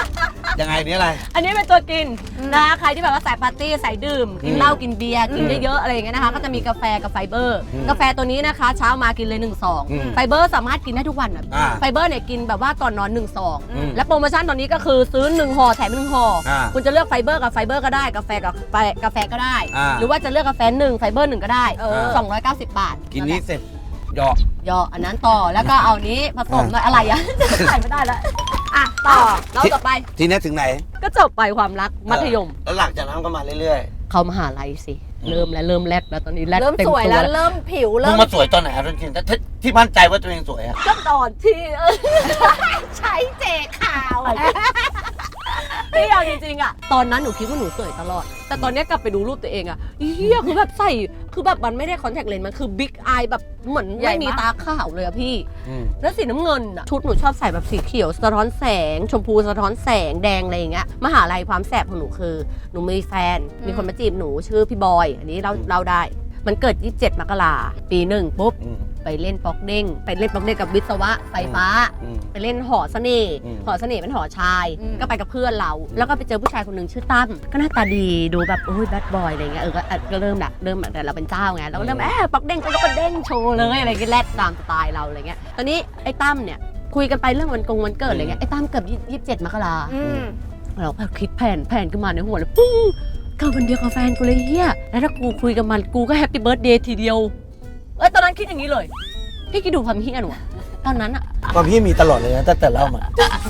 B: ยังไงนี่อะไร
A: อันนี้เป็นตัวกินนะคะใครที่แบบว่าสายปาร์ตี้สายดื่มกินเหล้ากินเบียร์กินเยอะๆอะไรอย่างเงี้ยนะคะก็จะมีกาแฟกับไฟเบอร์ กาแฟตัวนี้นะคะเช้ามากินเลยหนึ่งซองไฟเบอร์สามารถกินได้ทุกวันอ่ะไฟเบอร์เนี่ยกินแบบว่าก่อนนอนหนึ่งซองและโปรโมชั่นตอนนี้ก็คือซื้อหนึ่งห่อแถมหนึ่งห่อคุณจะเลือกไฟเบอร์กับไฟเบอร์ก็ได้กาแฟกับกาแฟก็ได้หรือว่าจะเลือกกาแฟหนึ่งไฟเบอร์หนึ่งก็ได้สองร้อยเก้าสิบบาท
B: กินนี้เสร็จหยอก
A: ย่ออันนั้นต่อแล้วก็เอานี้ผสมหน่อยอะไรอ่ะใส่ไม่ได้แล้วอ่ะต่อแล้วต่อไป
B: ทีนี้ถึงไหน
A: ก็จบไปความรักมัธยม
B: แล้วหลังจากนั้นก็มาเรื่อย
A: เขามหาลัยสิเริ่มแล้วเริ่มแรดแล้วตอนนี้แรด
C: เริ่ม
A: เต็ม
C: สวย
A: ตัว
C: แล้วเริ่มผิว
B: ๆมึ
C: เริ่
B: ง
C: ม
B: มาสวยตอนไหนครับจริงๆที่ที่มั่นใจว่าตัวเองสวยอะ
A: ก็ตอนที่เออ
C: ใช้เจขาว
A: พี่เอาจริงๆอะตอนนั้นหนูคิดว่าหนูสวยตลอด แต่ตอนนี้กลับไปดูรูปตัวเองอะเฮียคือแบบใส่คือแบบมันไม่ได้คอนแทคเลนส์มันคือบิ๊กอายแบบเหมือนไม่มีตาขาวเลยอะพี่แล้วสีน้ำเงินอะชุดหนูชอบใส่แบบสีเขียวสะท้อนแสง ชมพูสะท้อนแสงแดงอะไรอย่างเงี้ยมหาลัยความแสบของหนูคือหนูมีแฟนมีคนมาจีบหนูชื่อพี่บอยอันนี้เราเราได้มันเกิดยี่สิบเจ็ดมกราปีหนึ่งปุ๊บไปเล่นป๊อกเด้งไปเล่นป๊อกเด้งกับวิศวะไฟฟ้าไปเล่นหอเสน่ห์หอเสน่ห์เป็นหอชายก็ไปกับเพื่อนเราแล้วก็ไปเจอผู้ชายคนหนึ่งชื่อตั้มก็หน้าตาดีดูแบบโอ้ยแบดบอยอะไรเงี้ยเออก็เริ่มละเริ่มแต่เราเป็นเจ้าไงเราก็เริ่มแอบป๊อกเด้งก็ก็เด้งโชว์เลยอะไรเงี้ยแรดตามสไตล์เราอะไรเงี้ยตอนนี้ไอ้ตั้มเนี่ยคุยกันไปเรื่องวันกงวันเกิดอะไรเงี้ยไอ้ตั้มเกิดยี่สิบเจ็ดมกราเราก็คิดแผนแผนขึ้นมาในหัวเลยปุ้งก็วันเดียวกับแฟนกูเลยเฮียแล้วถ้ากูคุยกับมันกูก็แฮปปี้เบิร์ธเดย์ทีเดียวเอ้ยตอนนั้นคิดอย่างนี้เลยพี่คิดดูความเฮียหนูตอนนั้นอะ
B: ความพี่มีตลอดเลยนะตั้งแต่เล่ามา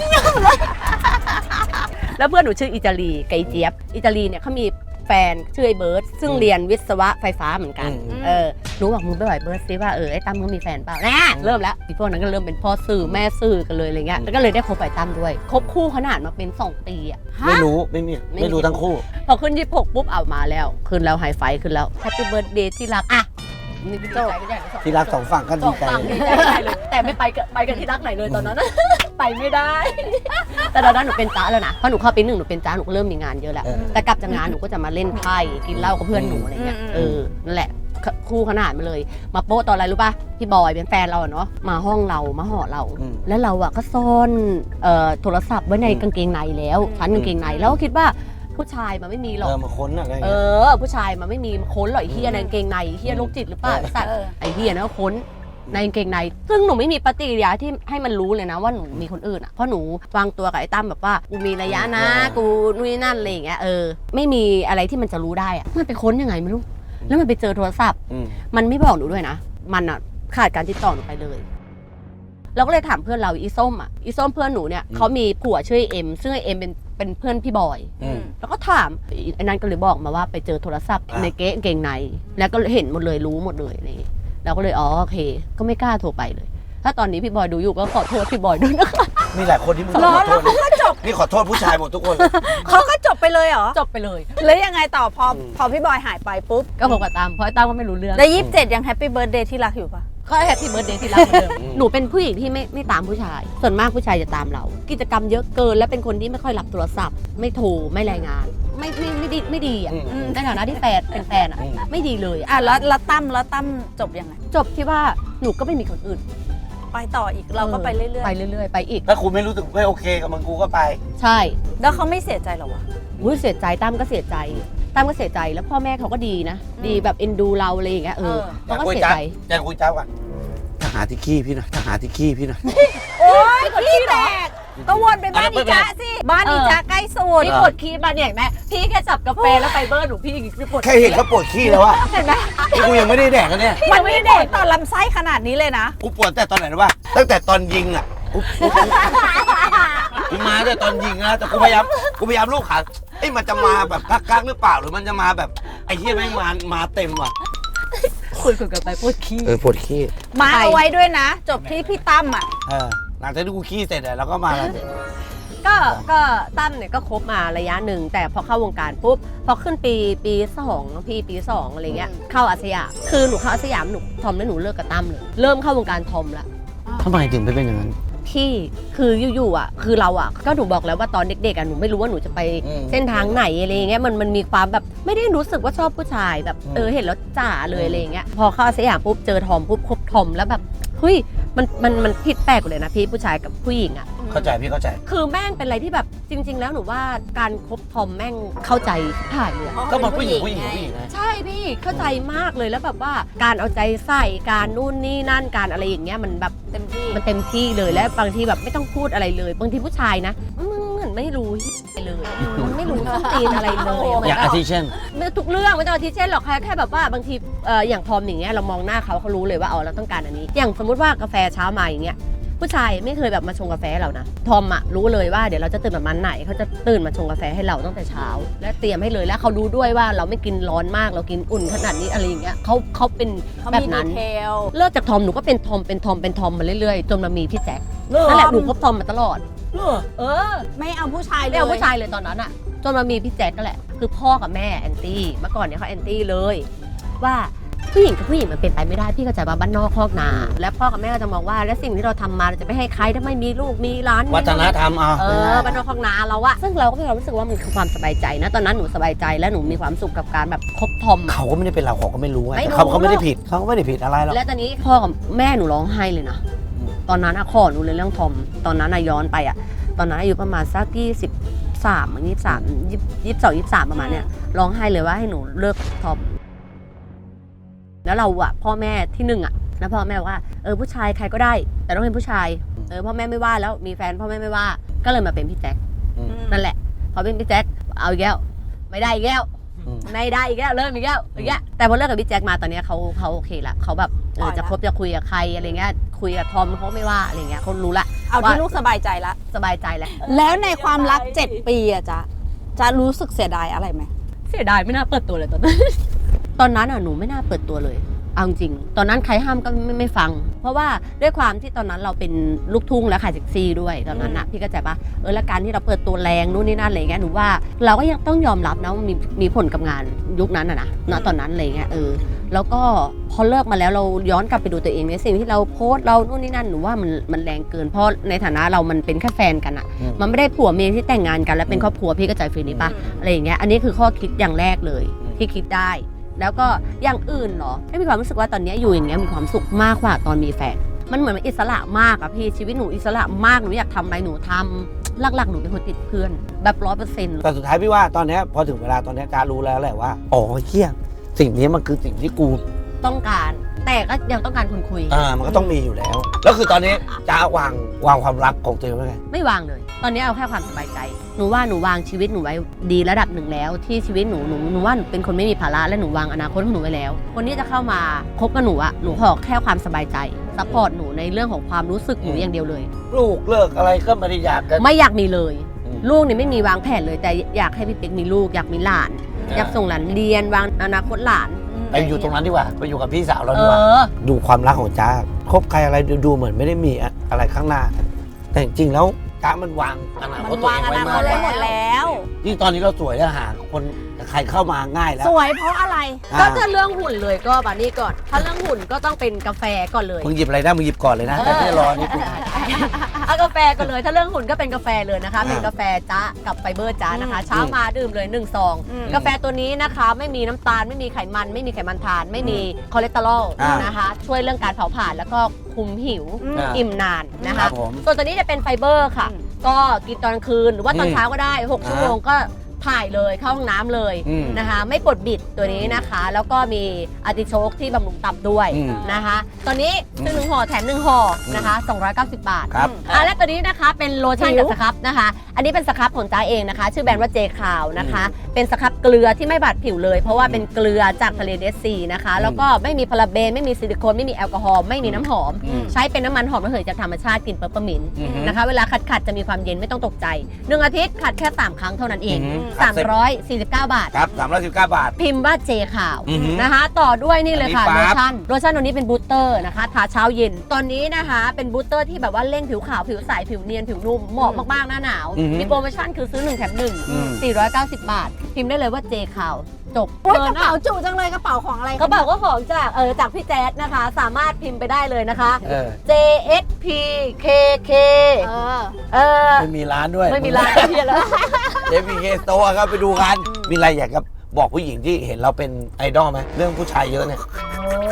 A: แล้วเพื่อนหนูชื่ออิตาลีไกเจี๊ยบอิตาลีเนี่ยเขามีแฟนชื่อไอ้เบิร์ดซึ่งเรียนวิศวะไฟฟ้าเหมือนกันเออหนูบอกมึงไปบ่อยเบิร์ดซิว่าเออไอ้ตั้มมึงมีแฟนเปล่าแน่เริ่มแล้วอีพวกนั้นก็เริ่มเป็นพ่อสื่อแม่สื่อกันเลยอะไรเงี้ยแล้วก็เลยได้คบไอ้ตั้มด้วยคบคู่ขนาดมาเป็นสองปีอะ
B: ไม่รู้ไม่มีไม่รู้ทั้งคู่
A: พอขึ้นยี่สิบหกปุ๊บเอามาแล้วขึ้นแล้วไฮไฟขึ้นแล้วแฮปปี้เบิร์ดเดย์ที่รักอะนี่ดีใจก็ใหญ่
B: ที่รักสองฝั่งก็
A: ส
B: ดี
A: อง
B: ใจ
A: ฝั่งดีใจได้เลยแต่ไม่ไปกับไปกันที่รักไหนเลยตอนนั้น ไปไม่ได้ แต่ตอนนั้นหนูเป็นจ้าแล้วนะเพราะหนูเข้าปีหนึ่งหนูเป็นจ้าหนูก็เริ่มมีงานเยอะแล้วแต่กลับจากงานหนูก็จะมาเล่นไพ่กินเหล้ากับเพื่อนหนูอะไรเงี้ยเออนั่นแหละคู่ขนาดมาเลยมาโป๊ะตอนอะไรรู้ป่ะพี่บอยเป็นแฟนเราเนาะมาห้องเรามาหอเราแล้วเราอะก็ซ่อนโทรศัพท์ไว้ในกางเกงในแล้วชั้นกางเกงในแล้วก็คิดว่าผู้ชายมันไม่มีหรอก
B: เออมาค้นอะไร
A: เออผู้ชายมันไม่มีค้นหรอกไอ้เฮียในกางเกงในเฮียโรคจิตหรือเปล่าสัตว์ไอ้เฮียนะค้นในกางเกงในซึ่งหนูไม่มีปฏิกิริยาที่ให้มันรู้เลยนะว่าหนูมีคนอื่นอ่ะเพราะหนูวางตัวกับไอ้ตั้มแบบว่ากูมีระยะนะกูนู่นนี่นั่นอะไรอย่างเงี้ยเออไม่มีอะไรที่มันจะรู้ได้อ่ะมันไปค้นยังไงไม่รู้แล้วมันไปเจอโทรศัพท์มันไม่บอกหนูด้วยนะมันอ่ะขาดการติดต่อหนูไปเลยเราก็เลยถามเพื่อนเราอีส้มอ่ะอีส้มเพื่อนหนูเนี่ยเขามีผัวชื่อเอ็มซึ่งเอ็มเป็นเป็นเพื่อนพี่บอยแล้วก็ถามไอ้นั้นก็เลยบอกมาว่าไปเจอโทรศัพท์ในเก๊เกงในแล้วก็เห็นหมดเลยรู้หมดเลยอะไรอย่างเงี้ยเราก็เลยอ๋อโอเคก็ไม่กล้าโทรไปเลยถ้าตอนนี้พี่บอยดูอยู่ก็ขอโทษพี่บอยด้วยนะคะ
B: มีหลายคนที่มึงขอโทษนี่ขอโทษผู้ชายหมดทุกคน
C: เขาก็จบไปเลยเหรอ
A: จบไปเลย
C: แล้วยังไงต่อพอพอพี่บอยหายไปปุ๊บ
A: ก็ผมกับตามเพราะไอ้ตามก็ไม่รู้เรื่อง
C: แล้วยี่สิบเจ็ดยังแฮปปี้เบิร์ดเดย์ที่รักอยู่ปะ
A: ก็แฮปปี้เบิร์ดเดย์ที่รักเหมือนเดิมหนูเป็นผู้หญิงที่ไม่ไม่ตามผู้ชายส่วนมากผู้ชายจะตามเรากิจกรรมเยอะเกินและเป็นคนที่ไม่ค่อยรับโทรศัพท์ไม่โทรไม่รายงานไม่ไม่ไม่ดีไม่ดีอ่ะในฐานะที่แฟนเป็นแฟนอ่ะไม่ดีเลยอ่ะ
C: อ่ะแล้วแล้วตั้มแล้วตั้มจบยังไง
A: จบที่ว่าหนูก็ไม่มีคนอื่น
C: ไปต่ออีกเราก็ไปเรื่อยๆ
A: ไปเรื่อยๆไปอีก
B: ถ้ากูไม่รู้สึกไม่โอเคกับมึงกูก็ไป
A: ใช่
C: แล้วเขาไม่เสียใจหรอวะ
A: อุ้ยเสียใจตั้มก็เสียใจตั้มก็เสียใจแล้วพ่อแม่เขาก็ดีนะดีแบบเอ็นดูเราอะไรอย่างเงี้ยเออเขาก็เสียใจ
B: จะคุยจ้าก่อนถ้าหาที่ขี้พี่หน่อยถ้าหาที่ขี้พี่หน่อย
C: โอ๊ยขี้แตกก็วนไปบ้านอีจ๊ะสิบ้านอีจ๊ะใกล้สุด
A: พี่ปวดขี้มาเนี่ยเห็นไหมพี่แค่จับกาแฟแล้วไฟเบอร์หนูพี่พี่ปวด
B: แค่เห็นเขาปวดขี้แล้วอะ
A: เห็นไหม
B: นี่กูยังไม่ได้แดกกันเนี่ย
C: มันไม่ได้เด็กต่อลำไส้ขนาดนี้เลยนะ
B: กูปวดแต่ตอนไหนรู้ป่ะตั้งแต่ตอนยิงอะกูกูกูมาตั้งแต่ตอนยิงนะแต่กูพยายามกูพยายามลูกขาเอ้ยมันจะมาแบบกักๆหรือเปล่าหรือมันจะมาแบบไอ้เหี้ยแม่งมามาเต็มว่ะ
A: คุยกันไปปวดขี้
B: เออปวดขี้
C: มาเอาไว้ด้วยนะ จบที่พี่ตั้มอ่ะ
B: เออหลังจากที่กูขี้เสร็จแล้วก็มาแล้ว
A: ก็ก็ตั้มเนี่ยก็คบมาระยะหนึ่งแต่พอเข้าวงการปุ๊บพอขึ้นปีปีสองพี่ปีสองอะไรเงี้ยเข้าอาสยามคือหนูเข้าอาสยามหนูทอมแล้วหนูเลิกกับตั้มเลยเริ่มเข้าวงการทอมละ
B: ทำไมถึงไปเป็นอย่างนั้น
A: พี่คืออยู่ๆอ่ะคือเราอ่ะก็หนูบอกแล้วว่าตอนเด็กๆอ่ะหนูไม่รู้ว่าหนูจะไปเส้นทางไหนอะไรเงี้ยมันมันมีความแบบไม่ได้รู้สึกว่าชอบผู้ชายแบบเออเห็นแล้วจ๋าเลยอะไรเงี้ยพอเข้าอาสยามปุ๊บเจอทอมปุ๊บคบทอมแล้วแบบเฮ้ยมันมันมันผิดแปลกเลยนะพี่ผู้ชายกับผู้หญิงอะ
B: เข้าใจพี่เข้าใจ
A: คือแม่งเป็นอะไรที่แบบจริง ๆ แล้วหนูว่าการคบทอมแม่งเข้าใจถ่ายเลยอะ
B: ก็มันผู้หญิงผู้หญิงผู้หญิงไง
A: ใช่พี่เข้าใจมากเลยแล้วแบบว่าการเอาใจใส่การนู่นนี่นั่นการอะไรอย่างเงี้ยมันแบบ
C: เต็มที่
A: มันเต็มที่เลยและบางทีแบบไม่ต้องพูดอะไรเลย บางทีผู้ชายนะมึงเหมือนไม่รู้เลยมันไม่รู้ต้นตีนอะไรเลย
B: อย่างอาทิเช่น
A: ไม่ทุกเรื่องไม่ต้องอาทิเช่นหรอกแค่แค่แบบว่าบางทีเอ่ออย่างทอมอย่างเงี้ยเรามองหน้าเขาเขารู้เลยว่าอ๋อเราต้องการอันนี้ อย่างสมมติว่ากาแฟเช้ามาอย่างเงี้ยผู้ชายไม่เคยแบบมาชงกาแฟให้เรานะทอมอะรู้เลยว่าเดี๋ยวเราจะตื่นประมาณไหนเขาจะตื่นมาชงกาแฟให้เราตั้งแต่เช้า และเตรียมให้เลยแล้วเขารู้ด้วยว่าเราไม่กินร้อนมากเรากินอุ่นขนาดนี้อะไรอย่างเงี้ยเขาเขาเป็น
C: เขา
A: แบบ
C: มีดี
A: นั้น
C: เทล
A: เลิกจากทอมหนูก็เป็นทอมเป็นทอมเป็นทอมมาเรื่อยๆจนมามีพี่แจ็คนั่นแหละหนูคบทอมมาตลอดเออ
C: ไม่เอาผู้ชายเลย
A: ไม่เอาผู้ชายเลยตอนนั้นอะจนมามีพี่แจ็คก็แหละคือพ่อกับแม่แอนตี้เมื่อก่อนเนี่ยเขาแอนตี้เลยว่าผู้หญิงกับผู้หญิงมันเป็นไปไม่ได้พี่เข้าใจว่าบ้านนอกคอกนา และพ่อกับแม่ก็จะมองว่าและสิ่งที่เราทำมาเราจะไปให้ใครถ้าไม่มีลูกมีร้าน
B: วัฒนธรรมอ่ะ
A: เออบ้านนอกคอกนาเราอะซึ่งเราก็มีความรู้สึกว่ามันคือความสบายใจนะตอนนั้นหนูสบายใจและหนูมีความสุขกับการแบบคบทอม
B: เขาก็ไม่ได้เป็นเราเขาก็ไม่รู้ไง
A: ไม่รู้
B: เขาเขาไม่ได้ผิดเขาก็ไม่ได้ผิดอะไรหรอก
A: และตอนนี้พ่อกับแม่หนูร้องไห้เลยนะ
B: อืม
A: ตอนนั้นอะขอหนูเลยเรื่องทอมตอนนั้นอะย้อนไปอะตอนนั้นอายุประมาณสักยี่สิบสามยี่สิบสามยี่สิบสองยี่สิบสามประมาณเนี้ยร้องไห้เลยว่าให้หนูเลิกทอมแล้วเราอะพ่อแม่ที่หนึ่งอะแล้วพ่อแม่บอกว่าเออผู้ชายใครก็ได้ แต่ต้องเป็นผู้ชายเออพ่อแม่ไม่ว่าแล้วมีแฟนพ่อแม่ไม่ว่าก็เลยมาเป็นพี่แจ็ค
B: อืม
A: นั่นแหละพอเป็นพี่แจ็คเอาอีกแล้วไม่ได้อีกแล้ว
B: อืม
A: ไม่ได้อีกแล้วเริ่มอีกแล้วอีกแล้วแต่พอเลิกกับพี่แจ็คมาตอนเนี้ยเขาเขาโอเคละเขาแบบเออจะคบจะคุยกับใครอะไรเงี้ยคุยกับทอมเขาไม่ว่าอะไรเงี้ยเขารู้ละ
C: เอาที่ลูกสบายใจละ
A: สบายใจแล้ว
C: แล้วในความรักเจ็ดปีอะจ๊ะจะรู้สึกเสียดายอะไรไหม
A: เสียดายไม่น่าเปิดตัวเลยตอนนั้น ตอนนั้นอ่ะหนูไม่น่าเปิดตัวเลยเอาจริงตอนนั้นใครห้ามก็ไม่ไม่ฟัง เพราะว่าด้วยความที่ตอนนั้นเราเป็นลูกทุ่งและขายเซ็กซี่ด้วยตอนนั้นอ่ะพี่ก็ใจปะเออและการที่เราเปิดตัวแรงนู่นนี่นั่นอะไรเงี้ยหนูว่าเราก็ยังต้องยอมรับนะว่ามีมีผลกับงานยุคนั้นอ่ะนะณตอนนั้นอะไรเงี้ยเออแล้วก็พอเลิกมาแล้วเราย้อนกลับไปดูตัวเองในสิ่งที่เราโพสต์เรานู่นนี่นั่นหนูว่ามันมันแรงเกินเพราะในฐานะเรามันเป็นแค่แฟนกันอ่ะ
B: อืม
A: มันไม่ได้ผัวเมียที่แต่งงานกันแล้วเป็นครอบครัวพี่ก็ใจฟีลนี้ปะ อะไรอย่างเงี้ย อันนี้คือข้อคิดอย่างแรกเลยที่คิดได้ แล้วก็อย่างอื่นเหรอไม่มีความรู้สึกว่าตอนนี้อยู่อย่างเงี้ยมีความสุขมากกว่าตอนมีแฟน มันเหมือนมันอิสระมากอะพี่ชีวิตหนูอิสระมากหนูอยากทำอะไรหนูทำหลักๆหนูเป็นคนติดเพื่อนแบบร้อยเปอร์เซ็นต์
B: แต่สุดท้ายพี่ว่าตอนเนี้ยพอถึงเวลาตอนเนี้ยการรู้แล้วแหละว่าอ๋อเฮียสิ่งนี้มันคือสิ่งที่กู
A: ต้องการ แต่ก็ยังต้องการคนคุย
B: อ่ามันก็ต้องมีอยู่แล้ว แล้วคือตอนนี้จะวางวางความรักของตัวเองไว้ไง
A: ไม่วางเลย ตอนนี้เอาแค่ความสบายใจ หนูว่าหนูวางชีวิตหนูไว้ดีระดับหนึ่งแล้ว ที่ชีวิตหนูหนูหนูว่าหนูเป็นคนไม่มีภาระและหนูวางอนาคตของหนูไว้แล้ว คนที่จะเข้ามาคบกับหนูอะหนูขอแค่ความสบายใจซัพพอร์ตหนูในเรื่องของความรู้สึกหนูอย่างเดียวเลย
B: ลูกเลิกอะไรก็ไม่ได้อยากกัน
A: ไม่อยากมีเลย
B: อืม
A: ลูกนี่ไม่มีวางแผนเลย แต่อยากให้พี่เป๊กมีลูกอยากมีหลาน
B: อ่า
A: อยากส่งหลานเรียนวางอนาคตหลาน
B: ไปอยู่ตรงนั้นดีกว่าไปอยู่กับพี่สาวเรา
A: เอ
B: ดีกว่า
A: อ
B: ดูความรักของจ้าคบใครอะไรดูดูเหมือนไม่ได้มีอะไรข้างหน้า แต่จริงๆแล้วจ้ามันวางอนาค
C: มั
B: ต
C: น
B: ตัว
C: วา
B: เอง ง
C: อ
B: ไว้
C: นาค
B: มา
C: ต
B: ก
C: ไว้หมดแล้ว
B: ยิ่งตอนนี้เราสวยแล้วหาคนใครเข้ามาง่ายแล้ว
C: สวยเพราะอะไร
A: ก็ถ้าเรื่องหุ่นเลยก็บานี่ก่อน ถ้าเรื่องหุ่นก็ต้องเป็นกาแฟก่อนเลย
B: มึงหยิบอะไรได้มึงหยิบก่อนเลยนะแต่ไม่รอนี่กู
A: เอากาแฟก่อนเลย ถ้าเรื่องหุ่นก็เป็นกาแฟเลยนะคะ
B: อ่า
A: เป็นกาแฟจ้ากับไฟเบอร์จ้านะคะ
C: อืม
A: เช้ามาดื่มเลยหนึ่งซอง
C: อืม
A: กาแฟตัวนี้นะคะไม่มีน้ำตาลไม่มีไขมัน ไม่มีไขมันทาน ไม่มีคอเลสเตอรอล
B: อ่าน
A: นะคะ ช่วยเรื่องการเผาผลาญแล้วก็คุมหิว
C: อืม
B: อ่า
A: อิ่มนานนะ
B: ครั
A: คะ
B: บผม
A: ส่วนตัวนี้จะเป็นไฟเบอร์ค่ะ
C: อืม
A: ก็กินตอนคืนหรือว่าตอน
B: อืม
A: เช้าก็ได้หก
B: อ่า
A: ชั่วโมงก็ถ่ายเลยเข้าห้องน้ำเลย
B: อืม
A: นะคะ ไม่ปวดบิดตัวนี้นะคะ แล้วก็มีอาร์ติโชกที่บำรุงตับด้วย
B: อืม
A: นะคะ ตอนนี้ซื้อหนึ่งห่อแถมหนึ่งห่อนะคะสองร้อยเก้าสิบบาท
B: ครับ
A: อ่ะและตัวนี้นะคะเป็นโลชั่น
C: ผิ
A: กับ
C: ว
A: สครับนะคะ อันนี้เป็นสครับของจ้าเองนะคะ ชื่อแบรนด์ว่าเจคาวนะคะ เป็นสครับเกลือที่ไม่บาดผิวเลย เพราะว่าเป็นเกลือจากทะเลเดดซีนะคะ แล้วก็ไม่มีพาราเบนไม่มีซิลิโคนไม่มีแอลกอฮอล์ไม่มีน้ำหอม
B: อืม
A: ใช้เป็นน้ำมันหอมระเหยจากธรรมชาติกลิ่นเปอร์เปอร์มินต์
B: อือฮึ
A: นะคะ เวลาขัดขัดๆจะมีความเย็นไม่ต้องตกใจหนึ่งอาทิตย์ขัดแค่สามครั้งเท่านั้นเอง
B: อือฮึ
A: สามร้อยสี่สิบเก้าบาท
B: ครับสามร้อยสิบเก้าบาท
A: พิมพ์ว่าเจขาว
B: อือฮึ
A: นะคะ ต่อด้วยนี่เลยค่ะ
B: อัน
A: โล
B: นี้ปั๊บ
A: ชั่นโลชั่นตัวนี้เป็นบูสเตอร์นะคะทาเช้าเย็น ตอนนี้นะคะเป็นบูสเตอร์ที่แบบว่าเร่งผิวขาวผิวใสผิวเนียนผิวนุ่มเหมาะมากๆหน้าหนาว
B: อือฮึ
A: มีโปรโมชั่นคือซื้อหนึ่งแถมหนึ่ง
B: อืม
A: สี่ร้อยเก้าสิบบาท พิมพ์ได้เลยว่าเจขาวจบ
C: โอ๊ยก
A: เกิ
C: ระ
A: น
C: เป๋า
A: อะ
C: จุจังเลยกระเป๋าของอะไร
A: กระเป๋าก็ของจากเออจากพี่แจ๊ดนะคะ สามารถพิมพ์ไปได้เลยนะคะ
B: เออ
A: J S P K K
C: เออ
A: เออ
B: ไม่มีร้านด้วย
A: ไม่มีร้านเพียแล้ว
B: เจพีเคสโตร์ครับไปดูกัน มีอะไรอยากจะบอกผู้หญิงที่เห็นเราเป็นไอดอลไหมเรื่องผู้ชายเยอะเนี่ย
A: โอ้ย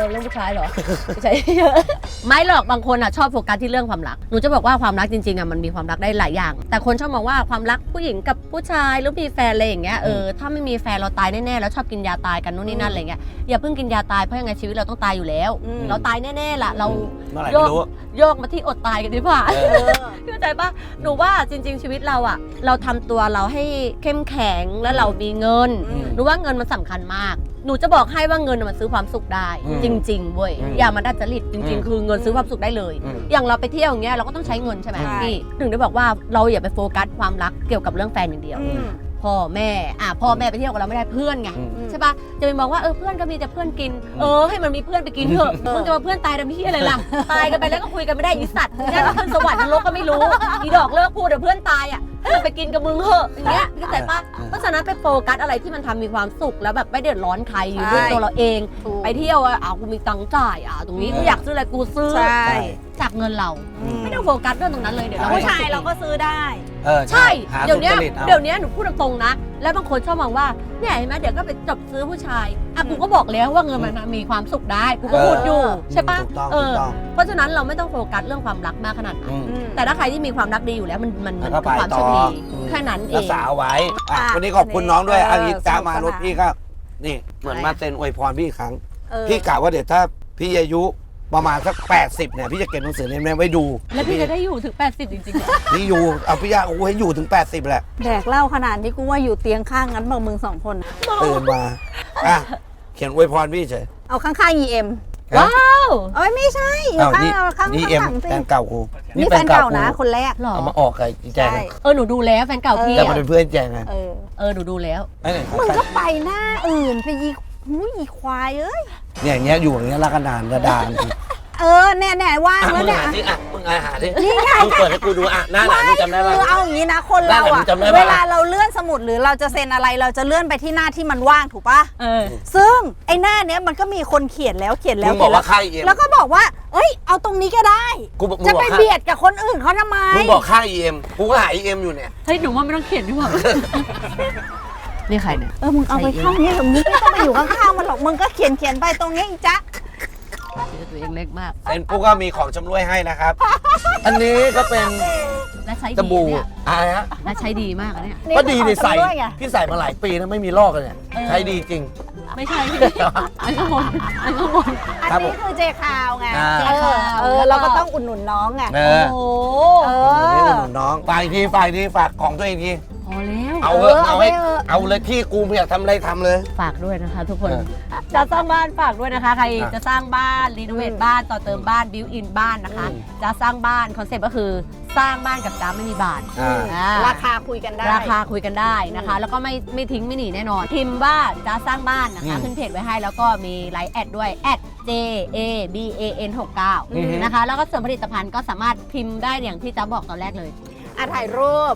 A: เรื่องผู้ชายเหรอ ไม่ใช่ ไม่หรอกบางคนอ่ะชอบโฟกัสที่เรื่องความรักหนูจะบอกว่าความรักจริงๆอ่ะมันมีความรักได้หลายอย่าง แต่คนชอบมองว่าความรักผู้หญิงกับผู้ชายหรือมีแฟนอะไรอย่างเงี้ยเออถ้าไม่มีแฟนเราตายแน่ๆแล้วชอบกินยาตายกันนู่นนี่นั่นอะไรเงี้ยอย่าเพิ่งกินยาตายเพราะยังไงชีวิตเราต้องตายอยู่แล้ว
C: อืม
A: เราตายแน่ๆล่ะเรา
B: เมื่อไหร่
A: โย
B: ไม่
A: ก
B: รู้
A: โยกมาที่อดตายกันดีกว่า
B: เออ
A: เข้าใจปะหนูว่าจริง ๆ ชีวิตเราอะเราทำตัวเราให้เข้มแข็งแล้วเรามีเงิน
C: อืม
A: หนูว่าเงินมันสำคัญมาก หนูจะบอกให้ว่าเงินมันซื้อความสุขได้
B: อืม
A: จริงๆเว้ย
B: อืม
A: อย่ามาดัดจริตจริง
B: อืม
A: ๆ คือเงินซื้อความสุขได้เลย
B: อืม
A: อย่างเราไปเที่ยวอย่างเงี้ยเราก็ต้องใช้เงินใช่ไหม
C: ใช่
A: พี่ถึงได้บอกว่าเราอย่าไปโฟกัสความรักเกี่ยวกับเรื่องแฟนอย่างเดียว
C: อืม
A: พ่อแม่อ่ะพ่อแม่ไปเที่ยวกับเราไม่ได้เพื่อนไง
B: อืม
A: ใช่ปะจะไปมองว่าเออเพื่อนก็มีแต่เพื่อนกิน เออให้มันมีเพื่อนไปกินเถอะ
C: เออ
A: มึงจะมาเพื่อนตายทำพี่อะไรล่ะ ตายกันไปแล้วก็คุยกันไม่ได้อีสัตว์เนี่ยก็ขึ้นสวรรค์นรกก็ไม่รู้อีดอกเลิกพูดเดี๋ยวเพื่อนตายอ่ะให้มันไปกินกับมึงเถอะอย่างเงี้ยเข้าใจปะ
B: เออ
A: เพราะฉะนั้นไปโฟกัสอะไรที่มันทำมีความสุขแล้วแบบไม่เดือดร้อนใครอยู่ด้วย
C: ใช่
A: ตัวเราเอง
C: ถูก
A: ไปเที่ยวอ่ะอ้าวกูมีตังค์จ่ายอ่ะตรงนี้กูอยากซื้ออะไรกูซื้อ
C: ใช่
A: จากเงินเรา
C: อืม
A: ไม่ต้องโฟกัสเรื่องตรงนั้นเลยเดี๋ยวเรา
C: ผู้ชายเราก็ซื้อได้
B: เออ
A: ใช่
B: หา
A: เดี๋ยวเนี้ย
B: สุจริตอา
A: เดี๋ยวเนี้ยหนูพูดตรงๆนะ แล้วบางคนชอบมองว่าเนี่ยเห็นไหมเดี๋ยวก็ไปจบซื้อผู้ชายอ่ะกูก็บอกแล้วว่าเงินมันมีความสุขได้กูก็พูดอยู่ใช่ปะ
B: ถูกต้อง
A: เอ
B: ถู
A: อก
B: ต้อง
A: เพราะฉะนั้นเราไม่ต้องโฟกัสเรื่องความรักมากขนาดนั้น
B: อืม
C: อืม
A: แต่ถ้าใครที่มีความรักดีอยู่แล้วมันมันมัน
B: แล้วก็
A: คือความ
B: ไปต่
A: โช
B: อ
A: คดี
B: อืม
A: แค่นั้นเอ
B: รัก
A: ง
B: ษาเอาไว้อ่ะ
C: อ่ะ
B: วันนี้ขอบคุณน้องด้วย
C: เออ
B: อันนี้จ้า
C: สนุก
B: มา
C: สนาน
B: รถพี่ก็นี่เหมือน
C: อะไร
B: มาเซ็นอวยพรพี่อีกครั้ง
C: เออ
B: พี่กะว่าเดี๋ยวถ้าพี่อายุประมาณสักแปดสิบเนี่ยพี่จะเก็บหนังสือเล่มนี้ไว้ดู
A: แล้วพี่จะได้อยู่ถึงแปดสิบจริงๆเหรอ
B: พี่อยู่เอาพี่อยากโอ้โหให้อยู่ถึงแปดสิบแหละ
C: แดกเหล้าขนาดนี้กูว่าอยู่เตียงข้างงั้นบอกมึงสองคนน่ะ
B: ตื่นมาอ่ะเขียนอวยพรพี่เฉย
C: เอาข้างๆ อี เอ็ม
A: ว้าว
C: เอ้ยไม่ใช่อยู่
B: อ้าว
C: ข้าง
B: นี่
C: เราข้าง
B: นี่
C: ข้าง
B: เอ็ม
C: หลังสิ
B: แฟนเก่ากู
C: นี่แฟนเก่านะ
B: กู
C: คนแรก
A: หรอ
B: เอามาออกกับอีแจง
C: ใช่
B: อะ
A: เออหนูดูแล้วแฟนเก่าพี่
B: แต่
A: อะ
B: มันเป็นเพื่อนแจงไง
C: เออ
A: เออหนูดูแล้ว
B: ไอ้เนี่ย
C: มึงก็ไปหน้าอื่นไปยีหูยยีควายเอ้ย
B: เนี่ยอย่างเงี้ยอยู่อย่างเงี้ยรักกันนานกระดาน
C: เออแน่แน่ๆว่าง
B: อ่ะ
C: แล้
B: มึ
C: ว
B: ง
C: เนี่ย
B: หาดิอ่ะมึงหาดิ
C: นี่ไง
B: มึงเปิดให้กูดูอ่ะหน้าหลังมึงจำได้ป่ะ
C: คือเอาอย่างนี้นะคนเรา
B: หน้าหลั
C: อะ
B: งจำได้ปะ
C: เวลาเราเลื่อนสมุดหรือเราจะเซ็นอะไรเราจะเลื่อนไปที่หน้าที่มันว่างถูกปะ
A: เออ
C: ซึ่งไอ้หน้าเนี้ยมันก็มีคนเขียนแล้วเขียนแล้
B: มึ
C: ว
B: งบอกว่า
C: เขียน
B: ค่ายเอ็ม
C: แล้วแล้วก็บอกว่า เอ้ย เอาตรงนี้ก็ได้
B: กูบอกมึง
C: จะ
B: บอก
C: ไป
B: ค่าย
C: เบียดกับคนอื่นเขาทำไม
B: มึงบอกค่ายเอ็มกูก็หาเอ็มอยู่เนี่ย
A: เฮ้ยหนูว่าไม่ต้องเขียนดีกว่า นี่ใครเนี่ย
C: เออมึงเอาไปเข้านี้หรอมึงไม่ต้องไปอยู่ข้างๆมันหรอกมึงก็เขียนเขียนไปตรงนี้อีจ๊ะ
A: เจอตัวเองเล็กมาก
B: เซ็นปุ๊กก็มีของชำร่วยให้นะครับ อันนี้ก็เป็น
A: และใช้
B: ส
A: ดี
B: บู่
A: เนี่ย
B: อะไรฮะ
A: และใช้ดีมากอะเนี่ย
B: ก็ดีในใส่
C: นี่คือของชำร่วยไง
B: พี่ใส่มาหลายปีนะไม่มีลอกเลยเนี่ย
A: เออ
B: ใช้ดีจริง
A: ไม่ใช่พี่อันข้างบนอันข้างบน
C: อัน
B: ครับผม
C: นี้คือเจคาวไง
B: อ่า
C: เออเออเราก็ต้องอุดหนุนน้องไง
B: เอ
A: โอ้
B: อ
A: โห
C: เอ
B: นี่
C: อ
B: อุดหนุนน้องฝากอีกทีฝากอีกทีฝากของตัวเองที
A: พอแล้ว
B: เอาเถอะ
C: เออ
B: เอาให้
C: เอาไปเถอะ
B: เอาเลยที่กูไม่อยากทำอะไรทำเลย
A: ฝากด้วยนะคะทุกคน
B: เออ
A: จะสร้างบ้านฝากด้วยนะคะ ใคร
B: อ่ะ
A: จะสร้างบ้านรีโนเวทบ้านต่อเติมบ้านบิวอินบ้านนะคะ
B: อืม
A: จะสร้างบ้านคอนเซ็ปต์ก็คือสร้างบ้านกับจ้าไม่มีบาท
B: อ่า
A: อ่า
C: ราคาคุยกันได้
A: ราคาคุยกันได้นะคะ แล้วก็ไม่ไม่ทิ้งไม่หนีแน่นอน พิมพ์ว่าจะสร้างบ้านนะคะ
B: อืม
A: ขึ้นเพจไว้ให้แล้วก็มีไลน์แอดด้วยแอด j a b a n หกเก้า
B: อือฮึ
A: นะคะ แล้วก็ส่วนผลิตภัณฑ์ก็สามารถพิมพ์ได้อย่างที่จ้าบอกตอนแรกเลย
C: อ่ะถ่ายรูป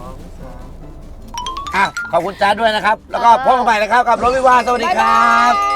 B: อ่ะขอบคุณจ้าด้วยนะครับ แล้วก็พบกันใหม่นะครับกับรถวิวาห์สวัสดีครับ